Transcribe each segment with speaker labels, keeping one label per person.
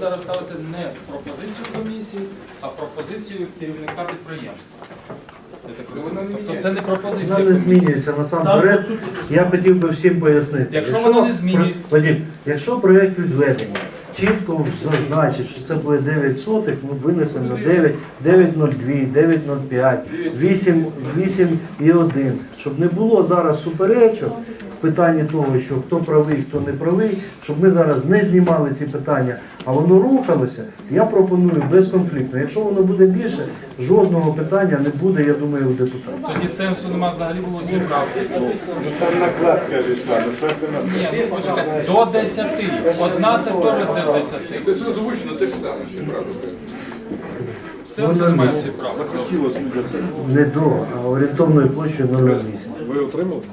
Speaker 1: зараз ставите не пропозицію комісії, а пропозицію керівника підприємства. Я так розумію. Тобто це не пропозиція
Speaker 2: Вона не
Speaker 1: комісії.
Speaker 2: змінюється насамперед. Я хотів би всім пояснити.
Speaker 1: Якщо воно не змінює-
Speaker 2: Вадим, якщо проєкт відведення чітко зазначить, що це буде 9 сотих, ми винесемо на 9, 9,02, 9,05, 8,1, щоб не було зараз суперечок в питанні того, що хто правий, хто не правий, щоб ми зараз не знімали ці питання, а воно рухалося, я пропоную безконфліктно. Якщо воно буде більше, жодного питання не буде, я думаю, у депутатів.
Speaker 1: Тоді сенсу немає взагалі було зібрати.
Speaker 3: Там накладка війшла, ну що ти нас...
Speaker 1: Ні, ну почекайте, до 10. Одна це теж до 10.
Speaker 4: Це все звучно, те ж саме, ще правда.
Speaker 1: Сенсу немає в цій правді.
Speaker 3: Захотілося людям.
Speaker 2: Не до, а орієнтовною площею 0,8.
Speaker 4: Ви утрималися?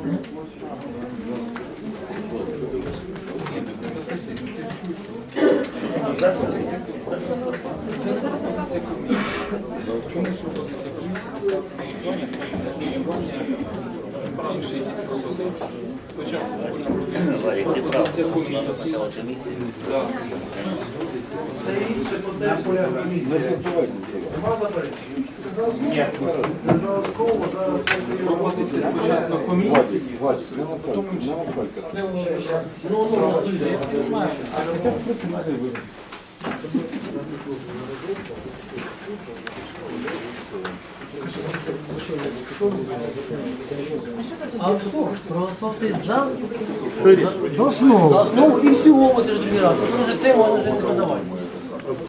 Speaker 1: Це не пропозиція комісії. В чому ж пропозиція комісії не ставиться на голосування, ставиться на голосування інші якісь пропозиції. Спочатку пропозиція комісії. Да.
Speaker 2: Це інше по тексту комісії. Нема заперечень? Це за основу, зараз те, що є
Speaker 1: Пропозиція спочатку комісії, а потім інші. Я знаю,
Speaker 5: А все, проголосувати за основу. За основу і всього, це ж другий раз. Може тему, а може не подавати.